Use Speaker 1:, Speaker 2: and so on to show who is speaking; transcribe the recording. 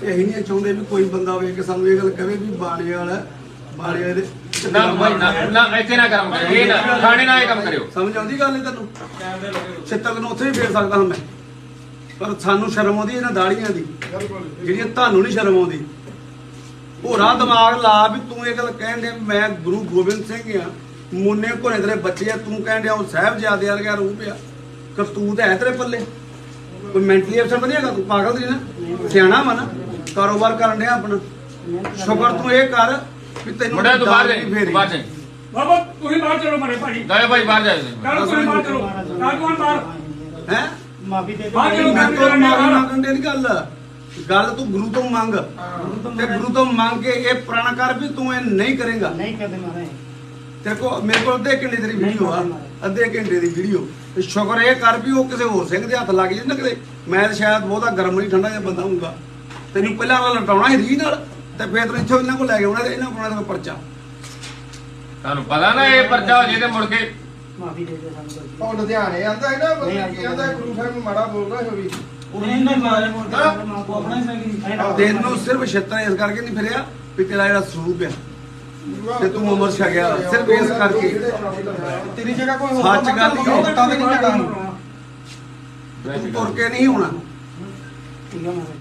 Speaker 1: ਅਸੀਂ ਨਹੀਂ ਚਾਹੁੰਦੇ ਵੀ ਕੋਈ ਬੰਦਾ ਵੇਖ ਕੇ ਸਾਨੂੰ ਇਹ ਗੱਲ ਕਹੇ ਵੀ ਬਾਣੇ ਵਾਲਾ ਬਾਣੇ ਦੇ
Speaker 2: ਨਾ ਇੱਥੇ ਨਾ ਕੰਮ ਕਰਿਓ, ਇਹ ਨਾ ਥਾਣੇ ਨਾਲ ਇਹ ਕੰਮ ਕਰਿਓ।
Speaker 1: ਸਮਝ ਆਉਂਦੀ ਗੱਲ ਇਹ ਤੈਨੂੰ? ਛਿੱਤਕ ਨੂੰ ਉੱਥੇ ਵੀ ਫੇਰ ਸਕਦਾ ਹਾਂ ਮੈਂ, ਪਰ ਸਾਨੂੰ ਸ਼ਰਮ ਆਉਂਦੀ ਇਹਨਾਂ ਦਾੜੀਆਂ ਦੀ ਜਿਹੜੀਆਂ ਤੁਹਾਨੂੰ ਨਹੀਂ ਸ਼ਰਮ ਆਉਂਦੀ। ਹੋਰਾ ਦਿਮਾਗ ਲਾ ਵੀ ਤੂੰ ਇਹ ਗੱਲ ਕਹਿਣ ਡਿਆ ਮੈਂ ਗੁਰੂ ਗੋਬਿੰਦ ਸਿੰਘ ਆ, ਮੁੰਨੇ ਘੋੜੇ ਤੇਰੇ ਬੱਚੇ ਆ, ਤੂੰ ਕਹਿਣ ਡਿਆ ਉਹ ਸਾਹਿਬਜ਼ਾਦੇ ਵਰਗਾ ਰੂਪ ਆ, ਕਰਤੂਤ ਹੈ ਤੇਰੇ ਪੱਲੇ? ਕੋਈ ਮੈਂਟਲੀ ਅਫਸਰ ਤਾਂ ਨਹੀਂ ਹੈਗਾ ਤੂੰ? ਪਾਗਲ ਦੀ ਨਾ, ਸਿਆਣਾ ਵਾ ਨਾ, ਕਾਰੋਬਾਰ ਕਰਨ ਡਿਆ ਆਪਣਾ। ਸ਼ੁਕਰ ਤੂੰ ਇਹ ਕਰ ਵੀ ਤੈਨੂੰ
Speaker 2: ਮੁੰਡਾ ਤੂੰ ਬਾਹਰ ਜਾਈਂ, ਬਾਹਰ ਜਾਈਂ।
Speaker 3: ਬਾਬਾ ਤੁਸੀਂ ਬਾਹਰ ਚਲੋ ਮਾਰੇ ਭਾਜੀ,
Speaker 2: ਜਾਓ ਭਾਈ ਬਾਹਰ ਜਾਓ।
Speaker 3: ਕੱਲ ਤੁਸੀਂ ਬਾਹਰ ਚਲੋ, ਕੱਲ ਕੌਣ ਬਾਹਰ
Speaker 1: ਹੈ
Speaker 4: ਮਾਫੀ ਦੇ
Speaker 3: ਬਾਹਰ ਚਲੋ।
Speaker 1: ਮੈਂ ਤੋਂ ਮਾਫੀ ਮੰਗਣ ਦੀ ਨਹੀਂ ਗੱਲ ਤੂੰ ਗੁਰੂ ਤੋਂ ਮੰਗ, ਤੇ ਗੁਰੂ ਤੋਂ ਮੰਗ ਕੇ ਇਹ ਪ੍ਰਣ ਕਰ ਵੀ ਤੂੰ ਇਹ ਨਹੀਂ ਕਰੇਗਾ।
Speaker 4: ਨਹੀਂ ਕਰਦੇ ਮਾਰੇ
Speaker 1: ਤੇਰੇ ਕੋ ਮੇਰੇ ਕੋਲ ਅੱਧੇ ਘੰਟੇ ਤੇਰੀ ਵੀਡੀਓ ਆ, ਅੱਧੇ ਘੰਟੇ ਦੀ ਵੀਡੀਓ। ਸ਼ੁਕਰ ਇਹ ਕਰ ਵੀ ਉਹ ਕਿਸੇ ਹੋਰ ਸਿੰਘ ਦੇ ਹੱਥ ਲੱਗ ਜੇ ਨਾ ਕਿਤੇ। ਮੈਂ ਤਾਂ ਸ਼ਾਇਦ ਬਹੁਤਾ ਗਰਮ ਨਹੀਂ ਠੰਡਾ ਜਿਹਾ ਬੰਦਾ ਹੋਊਗਾ, ਤੈਨੂੰ ਪਹਿਲਾਂ ਵਾਲਾ ਲਟਾਉਣਾ ਸੀ ਰੀ ਨਾਲ, ਤੇ ਫਿਰ ਤੈਨੂੰ ਇੱਥੋਂ ਇਹਨਾਂ ਕੋਲ ਲੈ ਕੇ ਆਉਣਾ, ਤੇ ਇਹਨਾਂ ਕੋਲ ਆਉਣਾ ਪਰਚਾ।
Speaker 2: ਤੁਹਾਨੂੰ ਪਤਾ ਨਾ ਇਹ ਪਰਚਾ ਹੋ ਜੇ ਤੇ ਮੁੜ ਕੇ
Speaker 4: ਮਾਫੀ ਦੇ ਦੇ ਸਾਨੂੰ
Speaker 5: ਉਹ ਲੁਧਿਆਣੇ ਆਂਦਾ ਹੈ ਨਾ ਬੰਦੇ ਕੀ ਆਂਦਾ ਗੁਰੂ ਸਾਹਿਬ ਨੂੰ ਮਾੜਾ ਬੋਲਦਾ ਹੈ ਵੀ
Speaker 4: ਉਹਨੇ ਨਾ ਮਾਰੇ ਮੋਟਾ ਆਪਣਾ ਹੀ ਸਹੀ
Speaker 1: ਤੈਨੂੰ ਸਿਰਫ ਛੇਤਰ ਇਸ ਕਰਕੇ ਨਹੀਂ ਫਿਰਿਆ ਵੀ ਤੇਰਾ ਜਿਹੜਾ ਸਰੂਪ ਆ ਤੇ ਤੂੰ ਉਮਰ ਛਕਿਆ, ਸਿਰਫ ਇਸ ਕਰਕੇ।
Speaker 5: ਤੇਰੀ ਜਗ੍ਹਾ ਕੋਈ ਹੋਰ
Speaker 1: ਸੱਚ ਗੱਲ ਹੀ ਉਹ
Speaker 5: ਤਾਂ ਨਹੀਂ ਜਾਣਾ
Speaker 1: ਤੂੰ ਤੁਰ ਕੇ ਨਹੀਂ ਹੋਣਾ।
Speaker 4: ਠੀਕ ਹੈ ਮਾਰੇ